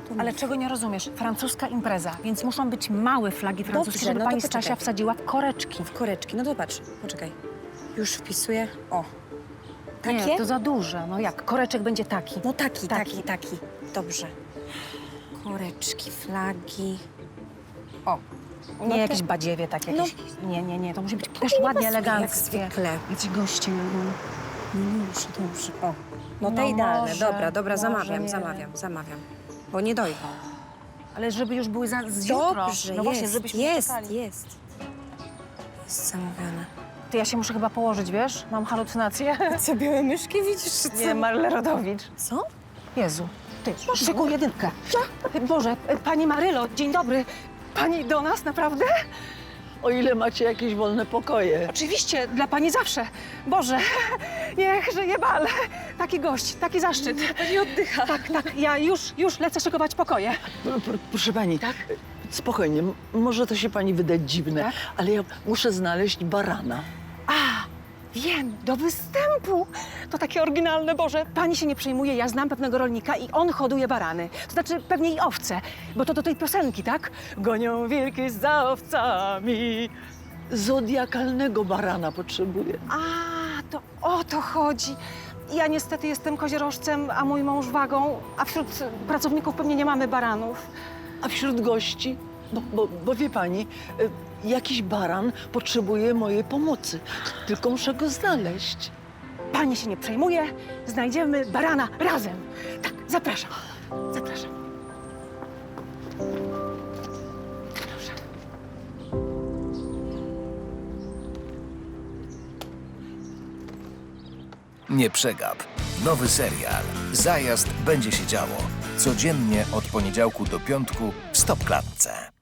To Ale mów. czego nie rozumiesz? Francuska impreza, więc muszą być małe flagi francuskie, Dobrze, żeby no to pani poczekaj. Stasia wsadziła w koreczki. W koreczki. No to patrz, poczekaj. Już wpisuję. O. Takie? Nie, to za duże. No jak? Koreczek będzie taki. No taki. Taki. Dobrze. Koreczki, flagi. O. Nie No jakieś to- badziewie takie. No. Jakieś... Nie. To musi być też nie ładnie, pasuje, jak eleganckie. zwykle. Jacyś goście. No dobrze. O. No te No idealne. może, Dobra, może, nie zamawiam. Bo nie dojdą. Ale żeby już były z jutro. Dobrze, No właśnie, żebyśmy nie czekali. Jest zamówione. Ty, ja się muszę chyba położyć, wiesz? Mam halucynacje. Co, białe myszki widzisz, czy co? Nie, Marle Rodowicz. Co? Jezu, ty, szykuj jedynkę. Boże, pani Marylo, dzień dobry. Pani do nas, naprawdę? O ile macie jakieś wolne pokoje. Oczywiście, dla pani zawsze. Boże, niech żyje bal. Taki gość, taki zaszczyt. Pani oddycha. Tak, ja już lecę szykować pokoje. Proszę pani, spokojnie, może to się pani wydać dziwne, Tak? ale ja muszę znaleźć barana. A, wiem, do występu. To takie oryginalne, Boże. Pani się nie przejmuje, ja znam pewnego rolnika i on hoduje barany. To znaczy pewnie i owce, bo to do tej piosenki, tak? Gonią wilki za owcami. Zodiakalnego barana potrzebuję. A, to o to chodzi. Ja niestety jestem koziorożcem, a mój mąż wagą, a wśród pracowników pewnie nie mamy baranów. A wśród gości? Bo wie pani, jakiś baran potrzebuje mojej pomocy. Tylko muszę go znaleźć. Pani się nie przejmuje, znajdziemy barana razem. Tak, zapraszam. Proszę. Nie przegap. Nowy serial Zajazd będzie się działo. Codziennie od poniedziałku do piątku w Stopklatce.